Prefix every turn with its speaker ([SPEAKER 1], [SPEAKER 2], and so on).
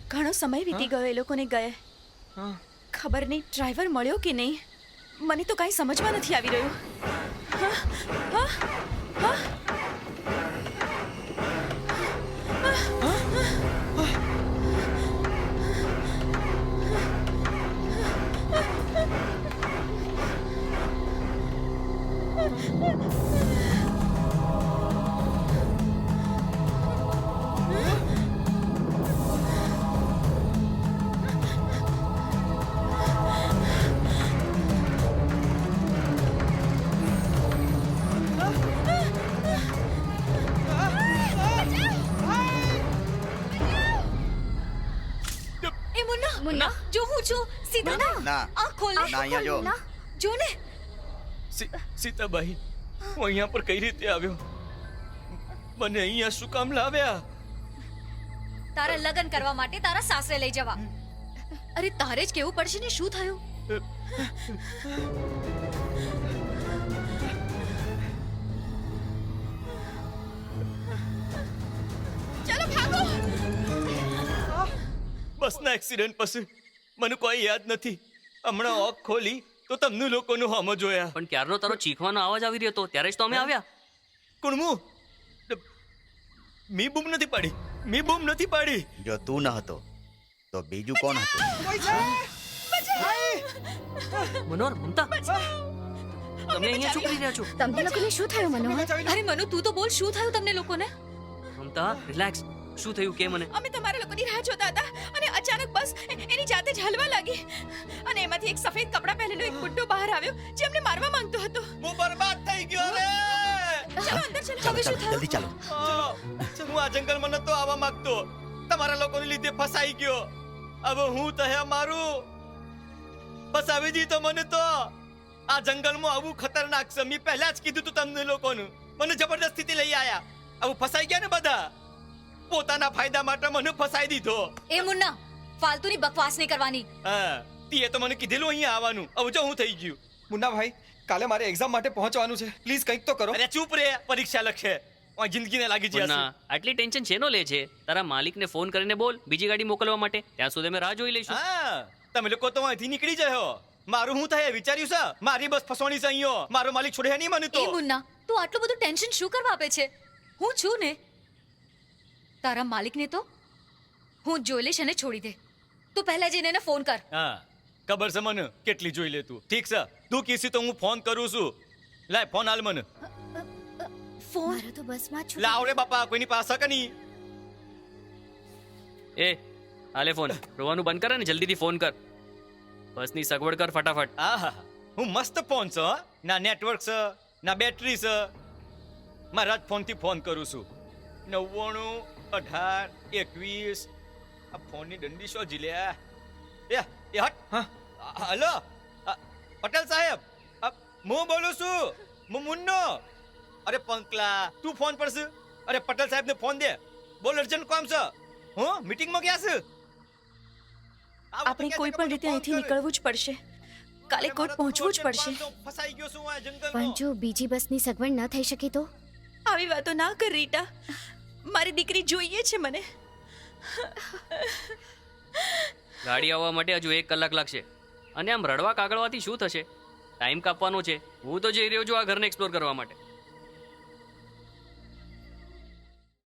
[SPEAKER 1] ઘણો સમય વીતી ગયો એ લોકોને ગયે. ખબર નહીં ડ્રાઈવર મળ્યો કે નહીં. મને તો કાંઈ સમજમાં નથી આવી રહ્યું. હા, હા, હા.
[SPEAKER 2] મુન્ના જો હું છું સીધા
[SPEAKER 3] ના
[SPEAKER 2] આંખ ખોલ
[SPEAKER 3] ના અહીંયા જો
[SPEAKER 2] જો ને
[SPEAKER 4] સીતાબાઈ હું અહીંયા પર કઈ રીતે આવ્યો? મને અહીંયા શું કામ લાવ્યા?
[SPEAKER 2] તારા લગ્ન કરવા માટે તારા સાસરે લઈ જવા. અરે તારે જ કેવું પડશે ને શું થયું?
[SPEAKER 1] ચાલો ભાગો.
[SPEAKER 4] બસના એક્સિડન્ટ પછી મને કોઈ યાદ નથી. હમણાં ઓક ખોલી તો તમને લોકોનું હમ જોયા.
[SPEAKER 5] પણ ક્યારનો તારો ચીખવાનો અવાજ આવી રહ્યો હતો ત્યારે જ તો અમે આવ્યા.
[SPEAKER 4] કુણમુ મી બૂમ નથી પાડી. મી બૂમ નથી પાડી.
[SPEAKER 3] જો તું ન હતો તો બીજું કોણ હતું?
[SPEAKER 5] મનોહર, મમતા, તમે અહીંયા શું કરી રહ્યા છો?
[SPEAKER 2] તમને લોકોને શું થયું મનોહર? અરે મનુ તું તો બોલ શું થયું તમને લોકોને?
[SPEAKER 5] મમતા, રિલેક્સ. શું થયું કે મને?
[SPEAKER 1] અમે તમારા લોકોની રાહ જોતા હતા અને અચાનક બસ એની જાતે જ હલવા લાગી અને એમાંથી એક સફેદ કપડાં પહેરેલો એક બુડ્ઢો બહાર આવ્યો જે અમને મારવા માંગતો હતો.
[SPEAKER 4] હું બરબાદ થઈ ગયો રે.
[SPEAKER 1] ચાલો અંદર ચાલો.
[SPEAKER 3] ચાલો
[SPEAKER 1] હવે શું
[SPEAKER 3] ચાલો જલ્દી
[SPEAKER 1] થયું?
[SPEAKER 3] ચાલો.
[SPEAKER 4] હું આ જંગલમાં નતો આવવા માંગતો. તમારા લોકોને લીધે ફસાઈ ગયો. હવે હું તહે મારું ફસાવી દીધો મને તો. આ જંગલમાં આવું ખતરનાક છે. મેં પહેલા જ કીધું તું તમને લોકોનું. મને જબરદસ્તીથી લઈ આયા. આવું ફસાઈ ગયા ને બધા. પોતાના ફાયદા માટે મને ફસાઈ દીધો.
[SPEAKER 2] એ મુન્ના ફાલતુની બકવાસ નહીં કરવાની.
[SPEAKER 4] હા તીએ તો મને કીધેલું અહીંયા આવવાનું. હવે જો હું થઈ ગયું.
[SPEAKER 6] મુન્ના ભાઈ કાલે મારે એક્ઝામ માટે પહોંચવાનું છે. પ્લીઝ કંઈક તો કરો.
[SPEAKER 4] અરે ચૂપ રે. પરીક્ષા લખે જિંદગીને લાગી જશે.
[SPEAKER 5] મુન્ના, આટલી ટેન્શન શેનો લે છે? તારા માલિકને ફોન કરીને બોલ બીજી ગાડી મોકલવા માટે. ત્યાં સુધી અમે રાહ જોઈ લઈશું.
[SPEAKER 4] હા તમે લોકો તો અહીંથી નીકળી જાઓ. મારું હું થાય વિચાર્યું છે? મારી બસ ફસવાની છે અહીંયા. મારો માલિક છોડે નહીં મને તો.
[SPEAKER 2] એ મુન્ના તું આટલું બધું ટેન્શન શું કરવા આપે છે? હું છું ને. તારા માલિકને તો હું જોઈ લઈશ અને છોડી દે. તું પહેલા જઈને એને ફોન કર.
[SPEAKER 4] હા ખબર છે મને કેટલી જોઈ લે તું. ઠીક છે તું કીસી તો હું ફોન કરું છું. લાય ફોન હાલ મને.
[SPEAKER 2] ફોન મારો તો બસમાં છું.
[SPEAKER 4] લાવ રે બાપા કોઈની પાસે કે નહીં.
[SPEAKER 5] એ હાલે ફોન. રોવાનું બંધ કર ને જલ્દીથી ફોન કર. બસની સગવડ કર ફટાફટ.
[SPEAKER 4] આહા હું મસ્ત ફોન છે હો. ના નેટવર્ક છે ના બેટરી છે. મારા જ ફોનથી ફોન કરું છું. 99 18 21. આ ફોનની દંડી શો જીલ્યા. એ હટ.
[SPEAKER 6] હા
[SPEAKER 4] હલો પટેલ સાહેબ હું બોલું છું. હું મુન્નો. અરે પંકલા તું ફોન પર છે? અરે પટેલ સાહેબને ફોન દે. બોલ અર્જન્ટ કામ છે. હું મીટિંગમાં ગયા છે.
[SPEAKER 1] આપણે કોઈ પણ રીતે અહીંથી નીકળવું જ પડશે. કાલે કોર્ટ પહોંચવું જ પડશે.
[SPEAKER 4] ફસાઈ ગયો છું આ
[SPEAKER 7] પણ
[SPEAKER 4] જંગલમાં.
[SPEAKER 7] જો બીજી બસની સગવડ ન થઈ શકે તો?
[SPEAKER 1] આવી વાતો ના કર રીટા. મારી દીકરી જોઈએ છે મને.
[SPEAKER 5] ગાડી આવવા માટે હજુ 1 કલાક લાગશે. અને આમ રડવા કાગળવાથી શું થશે? ટાઈમ કાપવાનો છે. હું તો જઈ રહ્યો છું આ ઘરને એક્સપ્લોર કરવા માટે.